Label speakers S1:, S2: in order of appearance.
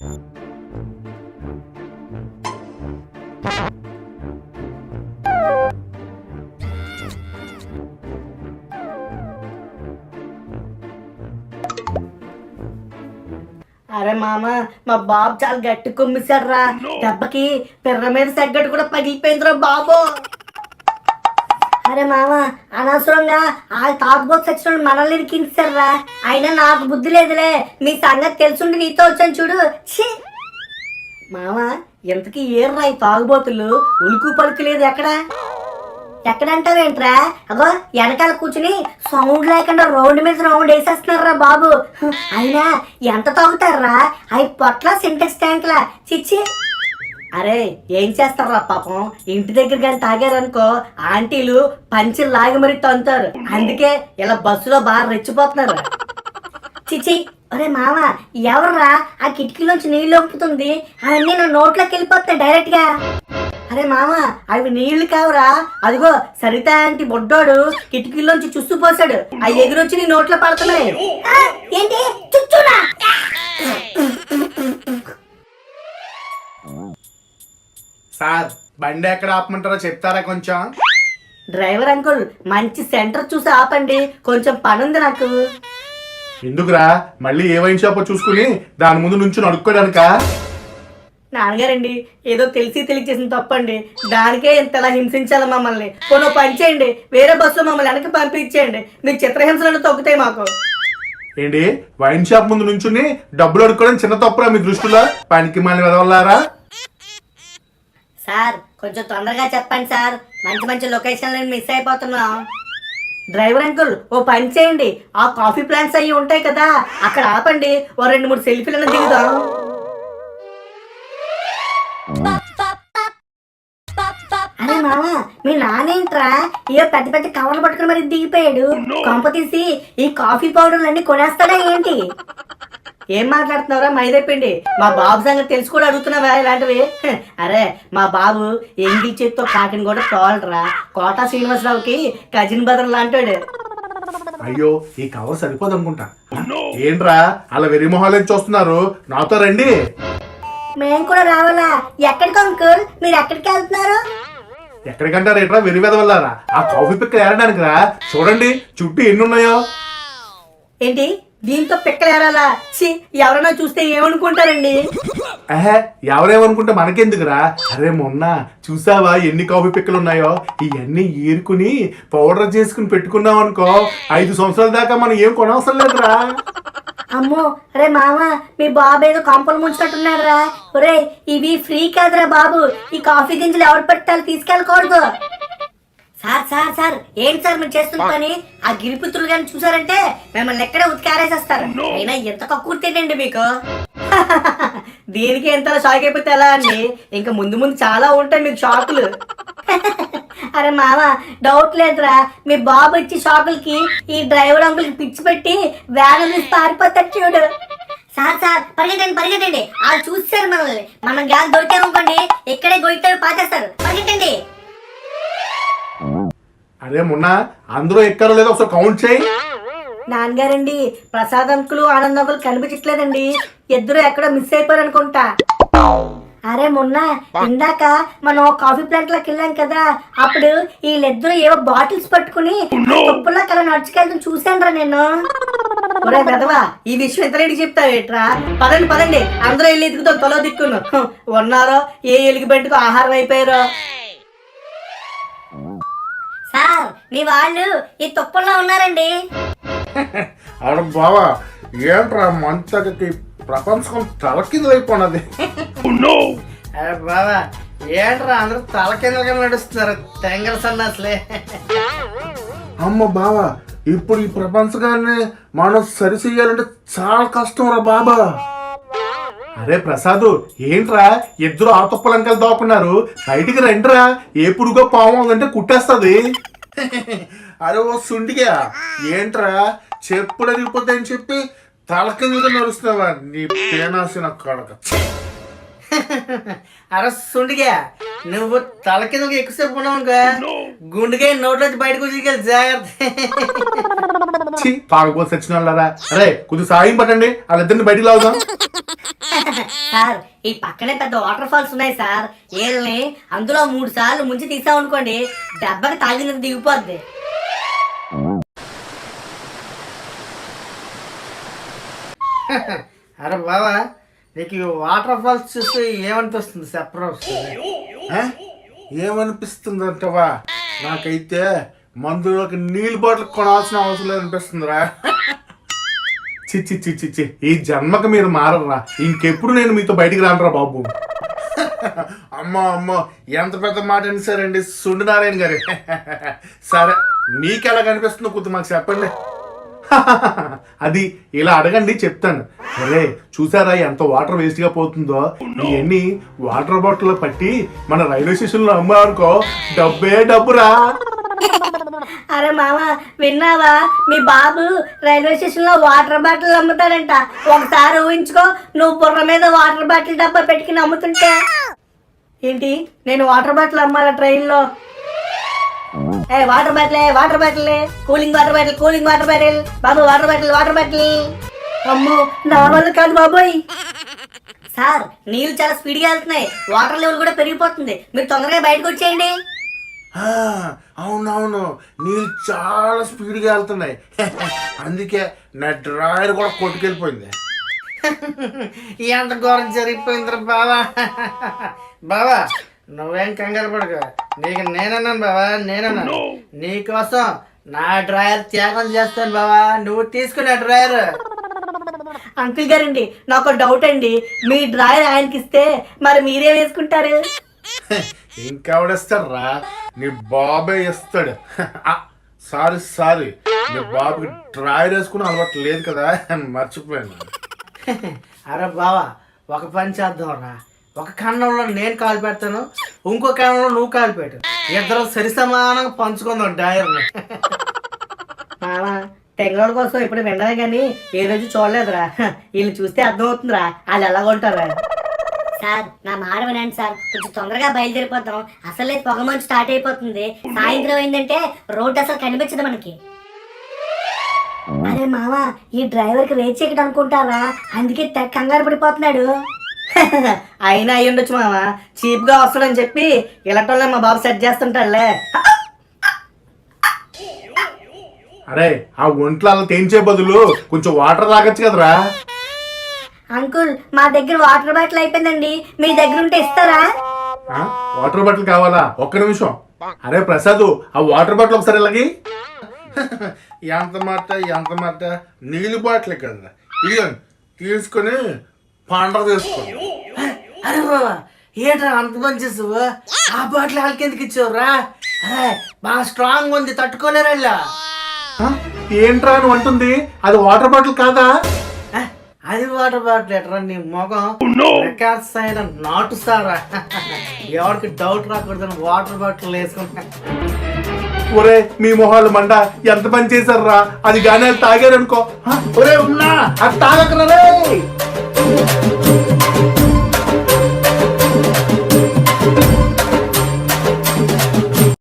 S1: అరే మామ, మా బాబు చాలా గట్టి కుమ్మిసాడు రా. దెబ్బకి పిర్ర మీద తగ్గట్టు కూడా పగిలిపోయిందిరా బాబు. అరే మామ, అనవసరంగా ఆ తాగుబోతు సెక్షన్ మనల్ని ఇరికించారు రా. అయినా నాకు బుద్ధి లేదులే, మీ సంగతి తెలుసుండి నీతో వచ్చాను చూడు. ఛీ మామ, ఎంతకీ ఏర్రా ఈ తాగుబోతులు? ఉలుకు పలుకు లేదు ఎక్కడ. ఎక్కడంటావేంట్రా? అగో వెనకాల కూర్చుని సౌండ్ లేకుండా రోడ్డు మీద రౌండ్ వేసేస్తున్నారా బాబు. అయినా ఎంత తాగుతారా? అవి పొట్ల సింటెక్స్ ట్యాంక్లా. చిచ్చి. అరే ఏం చేస్తారా పాపం, ఇంటి దగ్గర కానీ తాగారనుకో ఆంటీలు పంచులు లాగి మరీ తంతారు. అందుకే ఇలా బస్సులో బాగా రెచ్చిపోతున్నారు. చిచి. అరే మామ, ఎవర్రా ఆ కిటికీలోంచి నీళ్ళు ఒప్పుతుంది? అవన్నీ నా నోట్లోకి వెళ్ళిపోతాయి డైరెక్ట్ గా. అరే మామ, అవి నీళ్లు కావురా. అదిగో సరిత ఆంటీ బొడ్డోడు కిటికీలోంచి చుస్తూ పోసాడు. అవి ఎగురొచ్చి నీ నోట్లో పడుతున్నాయి. ఏంటి చుచ్చునా?
S2: సార్, బండి ఎక్కడ ఆపమంటారో చెప్తారా కొంచెం?
S1: డ్రైవర్ అంకుల్, మంచి సెంటర్ చూసి ఆపండి, కొంచెం పనుంది నాకు.
S2: ఎందుకురా, మళ్ళీ ఏ వైన్ షాప్ చూసుకుని దాని ముందు నుంచి అడుక్కోడానిక?
S1: నాన్నగారండి, ఏదో తెలిసి తెలియచేసిన తప్పండి. దానికే ఇంతలా హింసించాలి మమ్మల్ని. కొన్ని పని చేయండి, వేరే బస్సులో మమ్మల్ని వెనక్కి పంపించేయండి. మీకు చిత్రహింసలను తగ్గుతాయి మాకు.
S2: ఏంటి, వైన్ షాప్ ముందు నుంచుని డబ్బులు అడుక్కోవడం చిన్న తప్పురా మీ దృష్టిలో? పనికి మళ్ళీ వెదవల్లారా?
S1: సార్ కొంచెం తొందరగా చెప్పండి సార్, మంచి మంచి లొకేషన్లు మిస్ అయిపోతున్నాం. డ్రైవర్ అంకుల్, ఓ పని చేయండి, ఆ కాఫీ ప్లాంట్స్ అవి ఉంటాయి కదా, అక్కడ ఆపండి. ఓ 2-3 సెల్ఫీలను దిగుదాం. అరే మామ, మీ నానేంట్రా ఏ పెద్ద పెద్ద కవర్లు పట్టుకుని మరి దిగిపోయాడు? కొంప తీసి ఈ కాఫీ పౌడర్లు అన్ని కొనేస్తాడా ఏంటి? ఏం మాట్లాడుతున్నావురా మైదైపోయింది? మా బాబు సంగతి తెలుసు కూడా అడుగుతున్నావా ఇలాంటివి? అరే మా బాబు ఎంగిల్ చేతితో కాకిని కూడా తోలరా. కోటా శ్రీనివాసరావుకి కజిన్ బ్రదర్ లాంటాడు.
S2: అయ్యో, ఈ కవర్ సరిపోదు అనుకుంటా. ఏంట్రా అలా వెర్రి మొహాలు చూస్తున్నారు? నాతో రండి.
S1: మేము కూడా రావాలా? ఎక్కడికి అంకుల్, మీరు ఎక్కడికి వెళ్తున్నారు?
S2: ఎక్కడికంటారు ఏట్రా వెర్రి వెదవల్లారా? ఆ కాఫీ పిక్కలు ఏరడానికి రా. చూడండి చుట్టూ ఎన్ని ఉన్నాయో.
S1: ఏంటి దీంతో పిక్కలు ఏరాలా? ఎవరైనా చూస్తే ఏమనుకుంటారండి?
S2: ఎవరేమనుకుంటే మనకెందుకురా? అరే మొన్న చూసావా ఎన్ని కాఫీ పిక్కలు ఉన్నాయో? ఇవన్నీ ఏరుకుని పౌడర్ చేసుకుని పెట్టుకున్నాం అనుకో, 5 సంవత్సరాల దాకా మనం ఏం కొనవసరం లేదురా.
S1: అమ్మో, అరే మామ, మీ బాబు ఏదో కంపలు ముంచున్నట్టున్నారా? ఒరే ఇవి ఫ్రీ కాదురా బాబు, ఈ కాఫీ గింజలు ఎవరు పెట్టాలి, తీసుకెళ్ళకూడదు. సార్ సార్ సార్, ఏంటి సార్ మీరు చేస్తున్న పని? ఆ గిరిపుత్రులు కానీ చూసారంటే మిమ్మల్ని ఎక్కడే ఉతికారేసేస్తారు. అయినా ఎంత కక్కుర్తేనండి మీకు. దీనికి ఎంత షాక్ అయిపోతే ఎలా అండి? ఇంకా ముందు ముందు చాలా ఉంటాయి మీకు షాకులు. అరే మామ, డౌట్ లేదురా, మీ బాబు ఇచ్చి షాకులకి ఈ డ్రైవర్ అంకుల్కి పిచ్చి పెట్టి వ్యాన్ తీసి పారిపోతాడు చూడు. సార్ సార్, పరిగెట్టండి పరిగెట్టండి, వాళ్ళు చూస్తారు మనల్ని. మనం గ్యాస్ దొరికామనుకోండి ఇక్కడే గొయ్యి పాచేస్తారు. పరిగెట్టండి.
S2: అరే మొన్న అందరూ ఎక్కారో లేదో ఒకసారి కౌంట్ చేయి.
S1: నాన్నగారండి, ప్రసాద్ అంకులు ఆనంద్ అంకులు కనిపించట్లేదండి. ఇద్దరు ఎక్కడో మిస్ అయిపోయారు అనుకుంటా. అరే మొన్న ఇందాక మనం కాఫీ ప్లాంట్ లోకి వెళ్ళాం కదా, అప్పుడు వీళ్ళిద్దరు ఏవో బాటిల్స్ పట్టుకుని తప్పుల్లో కల నడుచుకెళ్తాం చూశాను రా నేను. ఒరే పెదవా, ఈ విషయం ఎంతలేడికి చెప్తావేట్రా? పదండి పదండి, అందరూ వెళ్ళి ఎదుగుతాం తొలో దిక్కును. ఉన్నారో ఏ ఎలుగు బయటకు ఆహారం అయిపోయారో. సార్, మీ వాళ్ళు ఈ తుప్పల్లో ఉన్నారండి.
S2: అరే బావా, ఏంట్రా మంచకి ప్రపంచం తలకిందులైపోయినది.
S1: అరే బాబా, ఏంట్రా అందరూ తలకిందలుగా నడుస్తున్నారు తెంగల సన్నాసులే.
S2: అమ్మ బావా, ఇప్పుడు ఈ ప్రపంచకాన్ని మనం సరి చెయ్యాలంటే చాలా కష్టం రా బాబా. అరే ప్రసాద్, ఏంట్రా ఇద్దరు ఆ తుప్పలంకలు దాక్కున్నారు? బయటికి రండిరా, ఏ పురుగో పాము ఉందంటే కుట్టేస్తుంది. అరే ఓ సుండిగా, ఏంట్రా చెప్పులు అరిగిపోతాయని చెప్పి తల కిందగా నడుస్తున్నావా? నీ పేనాసిన కడక.
S1: అరే సుండిగా, నువ్వు తల కింద ఎక్కువసేపు ఉన్నావు గుండెగా నోట్లోంచి బయటకు వచ్చి జాగ్రత్త.
S2: ఛీ తాగబోతు వచ్చిన వాళ్ళరా. అరే కొద్దిగా సాయం పట్టండి, వాళ్ళిద్దరిని బయటికి లాగుదాం.
S1: సార్ ఈ పక్కనే పెద్ద వాటర్ ఫాల్స్ ఉన్నాయి సార్. వీళ్ళని అందులో 3 సార్లు ముంచి తీసామనుకోండి, దెబ్బకి తాగినందుకు దిగిపోద్ది.
S3: అరే బాబా, నీకు ఈ వాటర్ ఫాల్స్ చూస్తే ఏమనిపిస్తుంది చెప్పరా?
S2: ఆ? ఏమనిపిస్తుందంటవా? నాకైతే మందులోకి నీళ్ళు బాటిల్ కొనాల్సిన అవసరం లేదు అనిపిస్తుందిరా. చిచ్చి చిచ్చి చి ఈ జన్మకు మీరు మారరా. ఇంకెప్పుడు నేను మీతో బయటికి రానరా బాబు. అమ్మో అమ్మో, ఎంత పెద్ద మాట అని సరండి సుండు నారాయణ గారు. సరే మీకు ఎలా కనిపిస్తుందో కొద్ది మాకు చెప్పండి. అది ఇలా అడగండి చెప్తాను. అరే చూసారా ఎంత వాటర్ వేస్ట్ గా పోతుందో. ఇవన్నీ వాటర్ బాటిల్ పట్టి మన రైల్వే స్టేషన్ లో అమ్మారనుకో డబ్బే డబ్బురా.
S1: అరే మామ విన్నావా, మీ బాబు రైల్వే స్టేషన్ లో వాటర్ బాటిల్ అమ్ముతాడంట. ఒకసారి ఊహించుకో, నువ్వు బుర్ర మీద వాటర్ బాటిల్ డబ్బా పెట్టుకుని అమ్ముతుంటే. ఏంటి నేను వాటర్ బాటిల్ అమ్మాలా ట్రైన్ లో? Water bottle cooling water bottle బాబు, వాటర్ బాటిల్. అమ్మో నా వల్ల కాదు బాబోయ్. సార్ నీళ్ళు చాలా స్పీడ్గా వెళ్తున్నాయి, వాటర్ లెవెల్ కూడా పెరిగిపోతుంది. మీరు తొందరగా బయటకు వచ్చేయండి.
S2: అవునవును, నీళ్ళు చాలా స్పీడ్గా వెళ్తున్నాయి. అందుకే నా డ్రాయర్ కూడా కొట్టుకెళ్ళిపోయింది.
S3: ఎంత ఘోరం జరిగిపోయిందిరా బావా. బావా నువ్వేం కంగారు పడక, నీకు నేనన్నాను బావా, నేనన్నాను. నీకోసం నా డ్రాయర్ త్యాగం చేస్తాను బావా, నువ్వు తీసుకునే డ్రాయర్.
S1: అంకుల్ గారండి నాకు డౌట్ అండి, మీ డ్రాయర్ ఆయనకి ఇస్తే మరి మీరేం వేసుకుంటారు?
S2: ఇంకెవడేస్తాడ్రా, నీ బాబే ఇస్తాడు. సారీ నీ బాబుకి డ్రాయర్ వేసుకుని అలవాటు లేదు కదా, మర్చిపోయాను.
S3: అరే బావా ఒక పని చేద్దాం రా, ఒక కన్నంలో నేను కాలు పెడతాను, ఇంకో కన్నంలో నువ్వు కాలు పెట్టు, ఇద్దరు సరి సమానంగా పంచుకుందాం డ్రాయర్ని.
S1: మామా తెంగళ కోసం ఇప్పుడు వినలే కానీ ఏ రోజు చూడలేదురా. వీళ్ళు చూస్తే అర్థమవుతుందిరా వాళ్ళు ఎలా కొంటారా. సార్ నా మాట వినండి సార్, కొంచెం తొందరగా బయలుదేరిపోతాం. అసలే పొగ మంచు స్టార్ట్ అయిపోతుంది. సాయంత్రం అయిందంటే రోడ్డు అసలు కనిపించదు మనకి. అరే మామ ఈ డ్రైవర్ కి రేట్ చెక్కడం అనుకుంటారా, అందుకే కంగారు పడిపోతున్నాడు. అయినా అయ్యి ఉండొచ్చు మామ, చీప్ గా వస్తాడని చెప్పి ఇలాంటి మా బాబు సెట్ చేస్తుంటాడులే.
S2: అరే ఆ ఒంట్లో అలా తేంచే బదులు కొంచెం వాటర్ తాగొచ్చు కదరా.
S1: అంకుల్ మా దగ్గర వాటర్ బాటిల్ అయిపోయిందండి, మీ దగ్గర ఉంటే ఇస్తారా?
S2: వాటర్ బాటిల్ కావాలా? ఒక్క నిమిషం. అరే ప్రసాద్ ఆ వాటర్ బాటిల్ ఒకసారి ఇలాగి. ఎంత మాట నీళ్ళు బాటిల్ కదా, ఇదిగోండి తీసుకొని పండగ చేసుకోండి.
S3: అరే బాబా ఏంట్రా అంత పని చేసావు? ఆ బాటిల్ వాళ్ళకి ఎందుకు ఇచ్చావురా? అరే బాగా స్ట్రాంగ్ ఉంది, తట్టుకోలేరా.
S2: ఏంట్రా అని అంటుంది, అది వాటర్ బాటిల్ కాదా?
S3: అది వాటర్ బాటిల్ ఎట్రా నీ మొఖం రికార్డ్స్ అయిన నాటు సారా. ఎవరికి డౌట్ రాకూడదని వాటర్ బాటిల్ వేసుకుంటా.
S2: ఒరే మీ మొహాలు మండ, ఎంత పని చేశారా? అది గానే తాగారనుకో. ఒరే ఉన్నా అది తాగకరా రే.